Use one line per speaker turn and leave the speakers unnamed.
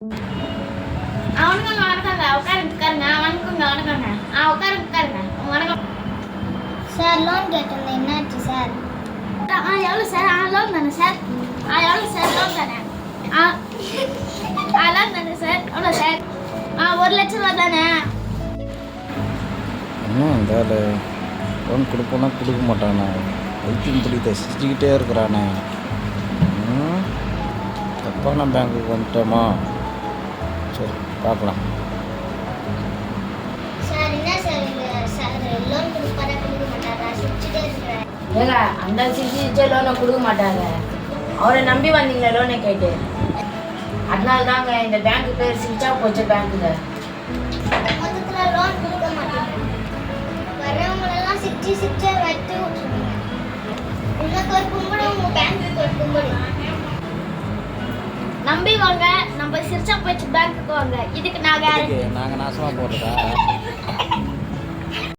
அவனுக்கு வணக்கங்க. உட்காருங்க. வணக்கங்க. உட்காருங்க. வணக்கம்
சார். லோன் கேட்டிருந்தேன், என்னாச்சு சார்?
எவ்வளோ சார்? லோன் தானே சார்? எவ்வளோ சார்? லோன் தானே? லோன் தானே சார்? எவ்வளோ சார்? 1 லட்சம் ரூபா தானே?
இந்த லோன் கொடுப்போன்னா கொடுக்க மாட்டானே, வைத்தியம் பிடித்த சிரிச்சுக்கிட்டே இருக்கிறானே. தப்பான பேங்க்குக்கு வந்துட்டோமா? சரி பார்க்கலாம்.
சார் என்ன சார் இது? சார் லோன் கொடுப்பாரா கொடுக்க மாட்டாரா? சிரிச்சுட்டே இருக்கிறேன்.
ஏங்க அந்த சிரிச்சு லோனை கொடுக்க மாட்டாங்க. அவரை நம்பி வந்தீங்களே லோனை கேட்டு, அதனால தாங்க இந்த பேங்க்கு பேர் சிரிச்சா போச்சு பேங்க்குங்க.
மொத்தத்தில் லோன் கொடுக்க மாட்டாங்க. வரவங்களெல்லாம் சிரிச்சு வெட்டி விட்டுருவீங்க. உங்களுக்கு ஒரு கும்பிடு, உங்கள் பேங்க்குக்கு ஒரு கும்பிடு.
நம்பி வாங்க. நம்ம சிரிச்சா போச்சு பேங்க்குக்கு வாங்க. இதுக்கு நான்
நாங்கள் நாசமாக போடுறதா?